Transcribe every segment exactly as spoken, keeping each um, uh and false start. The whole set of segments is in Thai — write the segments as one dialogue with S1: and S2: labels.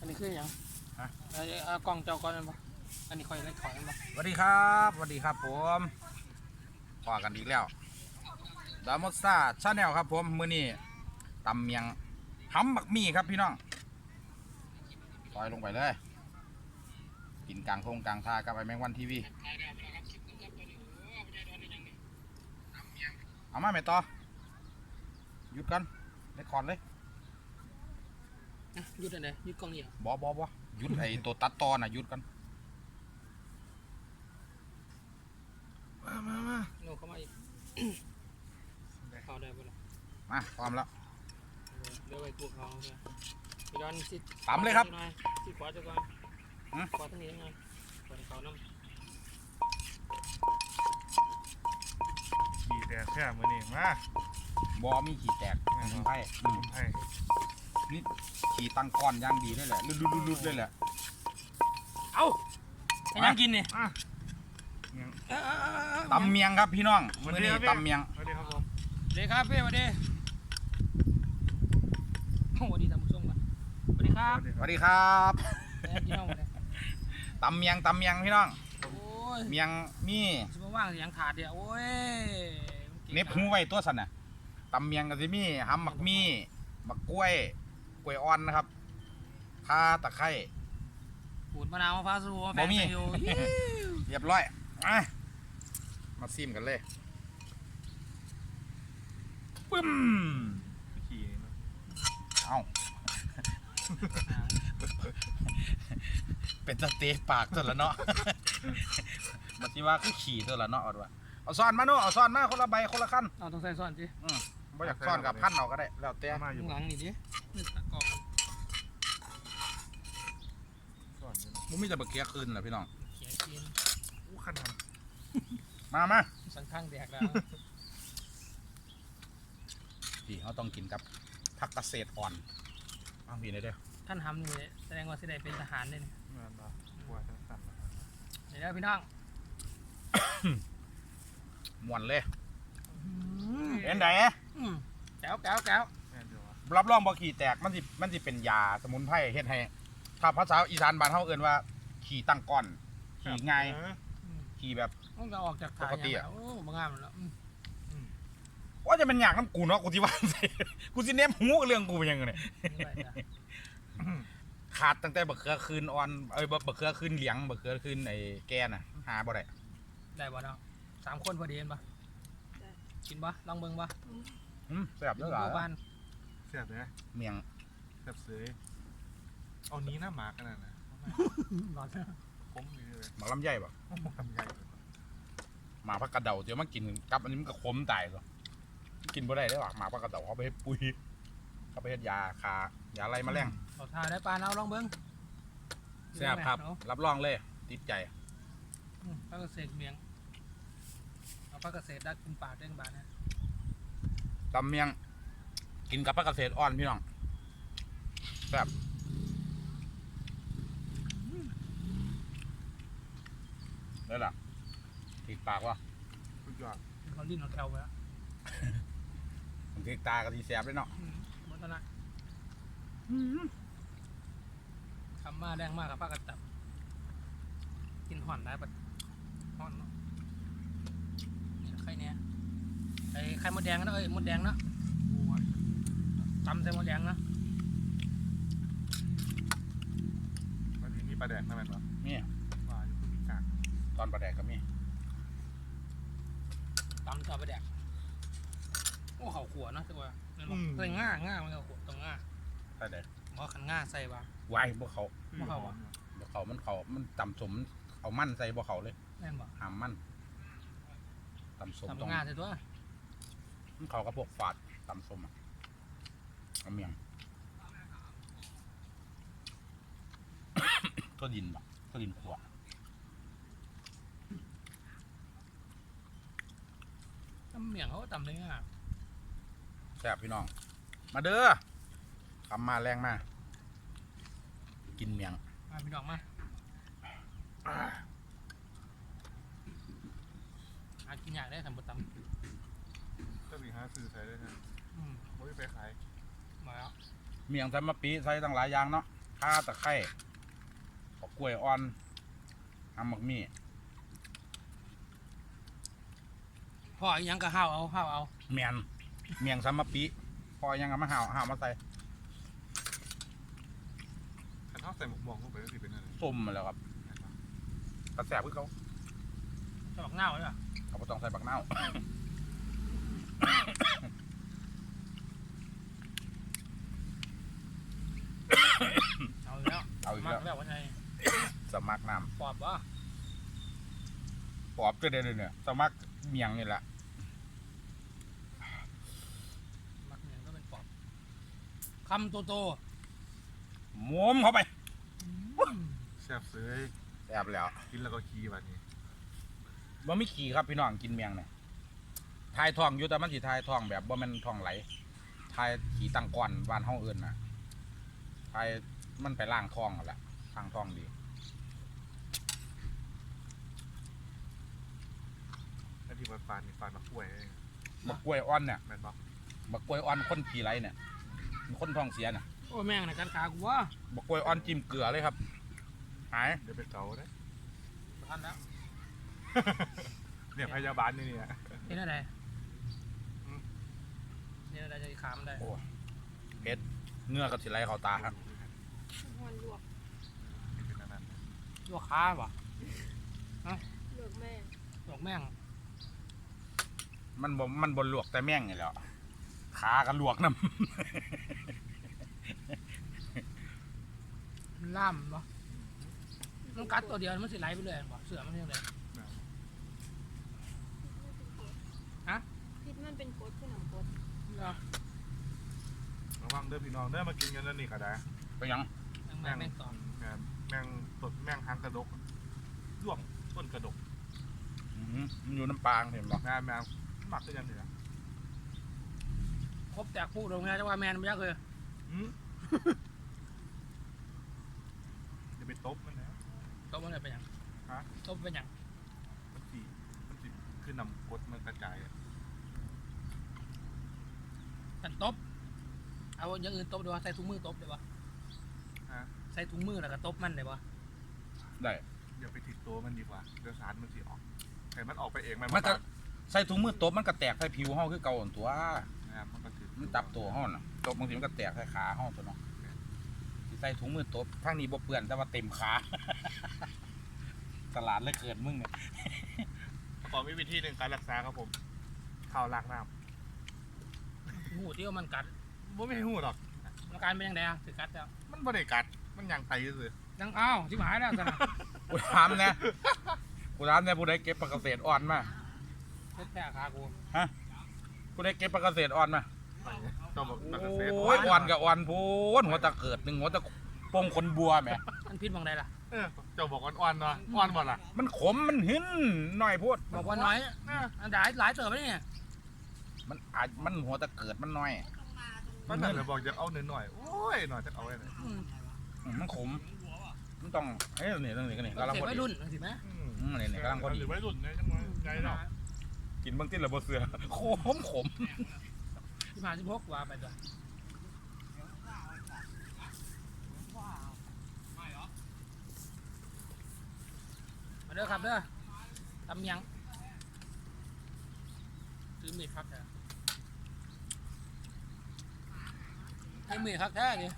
S1: อันนี้คืออย่างฮะเอากล้องเจ้าก้อนนั่นปะอันนี้คอยเล็กถอยนั่นปะ
S2: สวัสดีครับสวัสดีครับผมพอกันอีกแล้วดามอสซาชาแนลครับผมมื้อนี้ตำเมียงหำบักมี่ครับพี่น้องซอยลงไปเลยกินกลางทงกลางทากับไอแมงวันทีวีเอามาแม่ต่อหยุดกันได้คอนเลย
S1: หยุดอะไรหยุดกล้องนี่เหรอบ
S2: อบอบอหยุดไอตัวตัดตอน่ะหยุดกันมามามา
S1: โน้เข้ามาอีกเขาได้ปะล่ะ
S2: มาพร้อมแล้ว
S1: เดี๋ยวไปพวกเขาเนี่ยไปย้อนสิ
S2: ตำเลยครับ
S1: สิขวาจะก่อนขวาทั้งนี้ยังไงขวาเขาน้ำ
S3: ขี่แตกแค่มือนี่มา
S2: บอมีขี่แตกไพ่
S3: ไพ่
S2: นี่ขี่ตังก้อนย่างดีได้แหละลุดๆๆเลยแหละ
S1: เอาไปนั่งกินนี่
S2: ตำเมียงครับพี่น้องมื้อนี้ตำเมียง
S3: สวัสดีครับผม
S1: สวัสดีครับพี่สวัสดีสวัสดีท่านผู้ชมก่อนสวัสดีครับ
S2: สวัสดีครับ
S1: พี่น้องมาเลย
S2: ตำเมียงตำเมียงพี่น้องเมียงมี
S1: ชิบว่างอย่างถาดเดียวโอ้ย
S2: เน็บหูไว้ตัวสันน่ะตำเมียงกับซิมี่หำหมักมีหมักกล้วยกล้วยอ่อนนะครับข่าตะไคร้
S1: ขูดมะนาวมะพร้าวสูบะแฟงอยู่
S2: เรียบร้อยมามาซิมกันเลยปึ้ม
S3: ขี่
S2: เอาเป็นสเต๊กปากตัวละเนาะมาที่ว่าคือขี่ตัวละเนาะเอาด้วยเอาซ่อนมาโน่เอาซ่อนมาคนละใบคนละขั้น
S1: เอาต้องใส่ซ่อนสิ
S2: อืมไม่อยากซ่อนกับพันเอาก็ได้แล้วแต่
S1: มาอยู่หลังนี่ดิกอง
S2: มันไม่จะเบิกเกียร์คืนเหรอพี่น้อง
S1: เกียร์คืน
S3: อู้ขันท
S2: ำมามา
S1: สังข้างแดกแล้ว
S2: พี่เขาต้องกินกับผักเกษตรอ่อนเอาพี่เลยเด้อ
S1: ท่านทำนี่แสดงว่าสิได้เป็นทหารเลยนี่
S3: เงินบ่บัวจังสั่น
S1: เดี๋ยวพี่น้อง
S2: มวนเลยเป็นไง
S1: แก้วแก้วแก้ว
S2: รับรองบ่ขี่แตกมันสิมันสิเป็นยาสมุนไพรเฮ็ดให้ถ้าภาษาอีสานบ้านเฮาเอิ้นว่าขี่ตั้งก้อนขี่ง่ายขี่แบบ
S1: ต้องจะออกจากปกติอ่ะโอ้บางงามแล้ว
S2: ว่าจะเป็นอยากน้ำกูเนาะกูที่ว่ากูสิเน้มหูเรื่องกูเป็นยังไงเนี่ยขาดตั้งแต่บักเขือคืนอ่อนเอ้ยบักเขือคืนเหลียงบักเขือคืนไอ้แกน่ะหาบ่ได้
S1: ได้บ่เนาะสามคนพอดีเห็นปะกินปะลองเบิ่งปะ
S2: อืมแซ่บด้วยเหรอ
S3: แซ่บเลย
S2: เมียง
S3: แซ่บเสยเอานี้หน้าหมากันนะ
S1: ร้อน
S3: ผมนี่เลย
S2: หมาลำไยป่ะ
S3: ลำไย
S2: หมาพักกระเดาเดี๋ยวมากินกับอันนี้มันก็ขมตายเหรอกินบ่ได้ได้หรอหมาพักกระเดาเขาไปให้ปุ๋ยเขาไปให้ยาคายาอะไรมาแรง
S1: เอาทาได้ปลาเอาลองเบิ้ง
S2: แซ่บครับรับรองเลยติดใจ
S1: พักเกษตรเมียงเอาพักเกษตรดักกินปลาเด้งบาทนะ
S2: ตำเมียงกินกับพักเกษตรอ่อนพี่น้องแซ่บได้ละติดปากวะ
S3: สุดยอด
S1: เขาลิ้นเขาแถวไปแล้ว
S2: ผมติดตากระดีแซ่บเลยเนาะ
S1: หมดแล้วนะทำมาแรงมากกับป้ากระตับกินห่อนได้ปะห่อนเนาะนี่ไข่เนี้ยไอ้ไข่มดแดงนะเอ้ยมดแดงนะตำใส่มดแดงนะ
S3: วันนี้มีปลาแดงนะแม่เนาะ
S2: นี่
S3: ปลาอยู่ที่มีกาก
S2: ตอนปลาแดกก็มี
S1: ตำต่อปลาแดกโอ้เขาขวดนะใช่ป่ะใส่ง่าง่ามันเขาขวดตรงง่า
S2: ใช่เด็ด
S1: เพราะขันง่าใส่ป่ะ
S2: วายพวกเขา
S1: พวกเขาอ่ะ
S2: พวกเขามันเขามันตำสมเอามั่นใส่พวกเขาเลย
S1: แน่นบ่
S2: หามมั่นตำสม
S1: ตำง่าใส่ตัว
S2: มันเขาก็พวกฝาดตำสมอ่ะเอาเมียงก็ดินบ่ก็ดินขวด
S1: ตำเมียงเขาตำเลยง่า
S2: แซ่บพี่น้องมาเด้อทำมาแรงมากินเมียง
S1: มาพี่น้องมาหากินยากได้ทำบะตำ
S3: ก็มีหาซื้อใช้ได้ใช่ไหมไม่ไปขาย
S1: มาแล้ว
S2: เมียงใส่มะปีใส่ตั้งหลายอย่างเนาะขข่าตะไคร้บักกล้วยอ่อนหำบักมี่
S1: พ่ออีหยังก็ห้าวเอาห้าวเอา
S2: เมียนเมียงซัมมะปีพอยังเอามาห่าวห่าวมาใส่
S3: ขันเท้าใส่หมวกมองเข้าไปก็สิเป็นอะไร
S2: ส้มมาแล้วครับกระแสเพื่อเขา
S1: จะบอกเน่าเลยอ่ะ
S2: เขาบ่ต้องใส่บักเน่าว
S1: เอาอีกแล้ว
S2: เอาอีก
S1: มา
S2: แล้ว
S1: กแล้ววันไหน
S2: สมัครน้
S1: ปอบวะ
S2: ำปอบก็ได้เลยเนี่ยสมัครเมียงนี่แหละ
S1: มักเนี่ยก็เป็นปอบคำโตโต
S2: หมุมเข้าไป
S3: แซ่บเสย
S2: แอบแล้ว
S3: กินแล้วก็ขี้วันนี้
S2: บ่มีขี่ครับพี่น้องกินเมียงเนี่ยทายทองอยู่แต่มันสิทายทองแบบบ่แม่นทองไหลทายขี่ตั้งก้อนบ้านห้องอื่นน่ะทายมันไปล่างทองนั่นแหละทางทองดี
S3: อันที่มันฟานนี่ฟานมะกล้วย
S2: บักกล้วยอ่อนเนี่ย
S3: แม่นบ่
S2: บักกล้วยอ่อนคนขี่ไหลเนี่ยคนท้องเสียน่ะ
S1: โอ้แม่งนะกันขากูวะ
S2: บักกล้วยอ่อนจิ้มเกลือเลยครับหาย
S3: เดี๋ยวไปเกาได้
S1: ทันแล้ว
S3: เนี่ยพยาบาลนี่เนี่ย
S1: เห็นอะไรเนี่ยอะไรจะขามได้
S2: โอ้เผ็ดเนื้อกับสิไหลเข้าตาครับ
S4: วันลวก
S3: เป็นอันนั้น
S1: ลวกขาป่ะ
S4: ลวกแม่
S1: ลวกแม่ง
S2: มันบ่มันบนลวกแต่แม่งนี่แหละขากันลวกน้
S1: ล่ามป่ะมันกัดตัวเดียวมันสิไหลไปเลยป่ะเสือมันยังไง
S4: พิษมันเป็นกรดคือหนังกรด
S3: ระวังเด้อพี่น้องเด้อมากินกันแล้วนี่ก็ได้
S2: ำไปหยัง
S1: แม่งแม่งตอน
S3: แม่งแม่งสดแม่งหางกระดกด้วงต้นกระดก
S2: อื้อหือมันอยู่น้ำปลาเห็นบ่
S3: แม่แม่หมักก็ยังเหลือ
S1: ครบแตกพูดตรงนี้จังว่าแมนไม่ยักเลย
S3: อืมจะไปตบมันนะ
S1: ตบมันเลยเป็นยัง
S3: ฮะ
S1: ตบเป็นยัง
S3: มันสีมันสีคือนำกดมันกระจายอะ
S1: กันตบเอาอย่างอื่นตบดีวะใส่ถุงมือตบดีวะ
S3: ฮะ
S1: ใส่ถุงมือแล้วก็ตบมันเลยวะ
S2: ได้
S3: อย่าไปติดตัวมันดีกว่าเดี๋ยวสารมันสีออกแต่มันออกไปเองมัน
S2: มันก็ใส่ถุงมือตบมันก็แตกใส่ผิวเฮาคือเก่าหั่นตัว
S3: นะครับมันก็ถือ
S2: มันจับตัวเฮาน่ะตบบางทีมันก็แตกใส่ขาเฮาตัวเนาะสิใส่ถุงมือตบทางนี้บ่เปื้อนแต่ว่าเต็มขา ตลาดเลยเกิดมึงเนี่ย
S3: ขอมีวิธีหนึ่งการรักษาครับผมข้าวล้างน้
S1: หูที่ว่ามันกัด
S3: ำบ่ไม่ให้หูหรอก
S1: อาการเป็นยังไงอะถือกัดแล้ว
S3: มันบ่ได้กัดมันยังไตซื่อ
S1: ยังอ้าวที่หายแล้วสินะ
S2: กูถามเนี่ยกูถามเนี่ยผู้ใดเก็บปลากระเศษอ่อนมา
S1: เล็ดแผลขากู
S2: ผู้ใดเก็บปลากระเศษอ่อนมา
S3: ๆต้องบอกตัดเกษตร
S2: โอ้ยอ่อนกับอ่อนโพูนหัวตะเกิดหนึ่งหัวตะปงคนบัวแหม
S1: มันพิษบางใดล่ะ
S3: เออเจ้าบอกอ่อนๆเนาะอ่อนบ่ล่ะ
S2: มันขมมันหินหน่อยโพูด
S1: บอกว่าน้อยอันหลายหลายเติบไปเนี่ย
S2: มันอาจมันหัวตะเกิดมันน้อย
S3: ก็นั่นแหละบอกจะเอาหน่อยๆโอ้ยหน่อยจะเอาไว้หน่อย
S1: อืม
S2: อืมมันขมมันต้องเฮ้ยนี่นี่นี่กำลัง
S1: เด็ก
S2: พอ
S1: วั
S2: ดี
S1: ยรุ่นสิไหม
S3: อืม
S2: อืมนี่นี่กำลังพอดี
S3: หรือไว้รุ่นเนี่ยจังหวะใจเนาะ
S2: กินเบางที่ระบบเสือขมขม
S1: ที่มาสิบหกว่าไปตัวมาเด้อครับเด้อตำยังซื้อมีดครับแท้ซื้อมีดครับแท้ดิ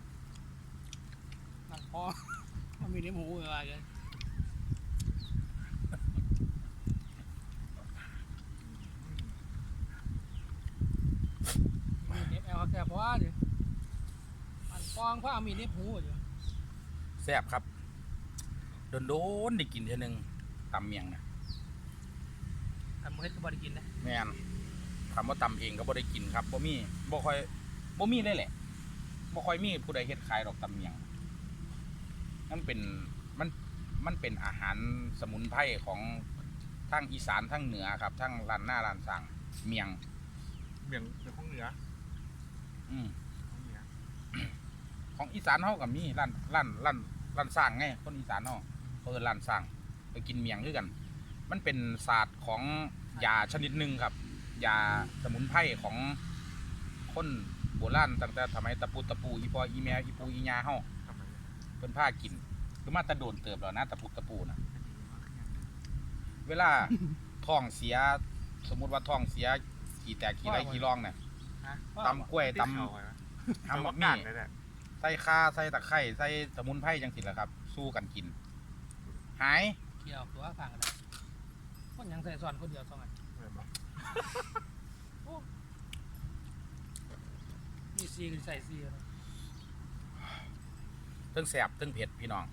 S1: นั่งคอมันมีเนื้อหมูอะไรกันมีเนื้อแอลแค่เพราะว่าดิมันฟองเพราะมีเนื้อหมูอยู่
S2: แซ่บครับโดนโดนๆได้กินเท่านึงตำเมียงนะ
S1: ทำเฮ็ดก็บ่ได้กินนะ
S2: แม่นคำว่าตำเองก็บ่ได้กินครับบ่มีบ่ค่อยบ่มีเลยแหละบ่ค่อยมีผู้ใดเฮ็ดขายดอกตำเมียงมันเป็นมันมันเป็นอาหารสมุนไพรของทางอีสานทางเหนือครับทางร้านหน้าร้านสั่งเมียง
S3: เมียงเป็นของเหนือ
S2: อืม
S3: ของเหนือ
S2: ของอีสานเฮาก็มีร้านร้านร้านร้านสร้างไงคนอีสานเฮาเพิ่นร้านสร้างไปกินเมียงคือกัน มันเป็นศาสตร์ของยาชนิดหนึ่งครับยาสมุนไพรของคนโบราณตั้งแต่สมัยตะปูตะปูอีปออีแมอีปูอีญาเฮา
S3: ทำไม
S2: เพิ่นผ้ากินคือมาแตะโดนเติบแล้วนะตะปุกตะปูนะเวลา ท้องเสียสมมุติว่าท้องเสียขี่แตกขี่ไรขี่ร่องเนี่ย
S1: ฮะ
S2: ตำกล้วยตำ
S3: ทำ
S2: ทำ
S3: บั
S2: บั
S3: ก
S2: ก
S3: หนั
S2: มี่
S3: กเลยแหละ
S2: ใส่ข่าใส่ตะไคร้ใส่สมุนไพรจังสิแหละครับ สู้กันกิน หาย
S1: เกี่ยวตัวข้างกันเลยคนยังใส่ซ้อนคนเดียวสองอันมีซีก็ใส่ซีเลย
S2: เทั้งแสบเทั้งเผ็ดพี่น้อง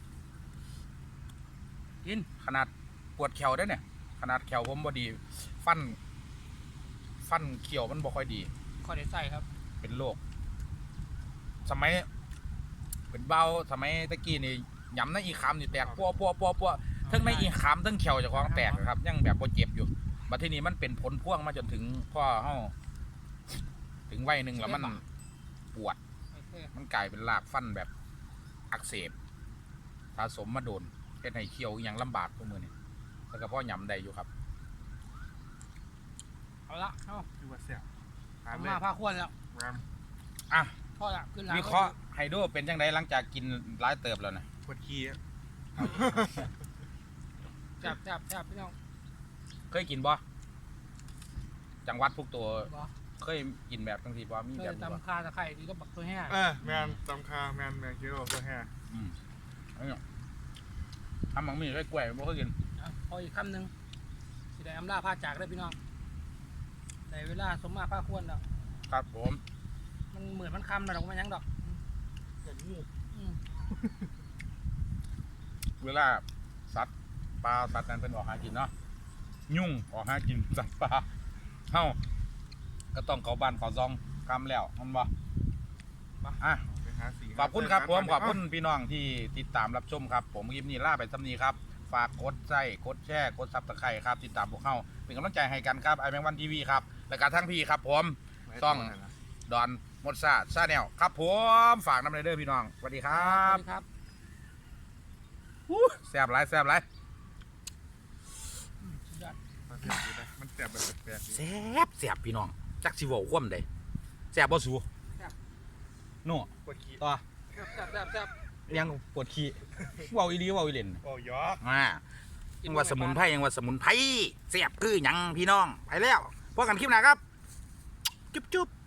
S1: กิน
S2: ขนาดปวดแขวได้อเนี่ย ขนาดแขวผมบ่ดี ฟัน ฟันเขียวมันบ่ค่อยดี
S1: ข้อได้ใส่ครับ
S2: เป็นโรคสมัยเป็นเบาสมัยตะกี้นี่ยำในอีขามนี่แตกปัวปัวปัวปัวทั้งในอีขามทั้งเขียวเจะคล้าของแตกนะครับ ยังแบบบ่เจ็บอยู่บัดทีนี้มันเป็นผลพ่วงมาจนถึงพ่อเฮาถึงวัยหนึ่งแล้วมันปวด
S1: โอเค
S2: มันกลายเป็นรากฟันแบบอักเสบสะสมมาโดนเฮ็ดให้เคี้ยวอหย่างลำบากทุกมือนี่แล้วก็พ่อยำได้อยู่ครับ
S1: เอาละเอา
S3: คือว่าเสีย
S1: ผมมาผ้าควนแล้ว
S3: งาม
S2: อ่ะ
S1: พ่อละขึ้นหลัง
S2: วิเคราะห์ไฮโดรเป็นจังไดหลังจากกินหลายเติบแล้วนะ
S3: ปวดขี้อะ
S1: จับจับจับพี่น้อง
S2: เคยกินบ่จังหวัดพวกตัว
S1: บอ
S2: เคยกินแบบจังซี่บ่มี
S1: เค
S2: แบ
S1: ย
S2: บนี้บ่
S1: ตำคาตะไคร้ดีก็บักตัวแห้ง
S3: เออแมนตำคาแมนแมนคิโลตัวแห่
S2: อืมอันนี้ทำหมังมีไส้กล้วยบ่เคยกิน
S1: เอาพออีกคำหนึ่งสิได้อำลาผ้าจากได้พี่น้องในเวลาสมมาผ้าควนแล้ว
S2: ครับผม
S1: มันเหมือนมันคำนะดอกมันยังดอก
S3: เหมือนงู
S1: อืม
S2: เวลาสัตว์ปลาสัตว์นั้นเป็นออกหากินเนาะยุ่งออกหากินสัตว์ปลาเฮาก็ต้องเข้าบ้านเข้าซองกำแล้วมันบ่อ่ะ
S3: ไปหาสี
S2: ขอบคุณครับผมขอบคุณพี่น้องที่ติดตามรับชมครับ ผมคลิปนี้ล่าไปสำนีครับ ฝากกดไลค์กดแชร์กดซับสไครต์ครับติดตามพวกเขาเป็นกำลังใจให้กันครับไอแมงวันทีวีครับและการทั้งพี่ครับผม ต้อง ดอนมดซาซาแนลครับผมฝากน้ำไรเดอร์พี่น้องสวัสดีครั
S1: ส
S2: บ
S1: วัสดีครับ
S2: แซ่บไรแซ่บไร
S1: อืมสุดยอด
S3: มันเสียบอยู่นะมันเสียบแบบแปลกๆดี
S2: แซ่บแซ่บพี่น้องจักสิเว้าคว่ำใดแซ่บบ่สูโน่
S3: ปวดขี้
S2: ต่อ
S1: แซ่บแซ่บแซ่บแซ่บ
S2: ยังปวดขี้เว้าอีหลีเว้าอีเล่น
S3: โอ้ยอก
S2: อ่ายังว่าสมุนไพรยังว่าสมุนไพรแซ่บคือหยังพี่น้องไปแล้วพบกันคลิปหน้าครับจุ๊บจุ๊บ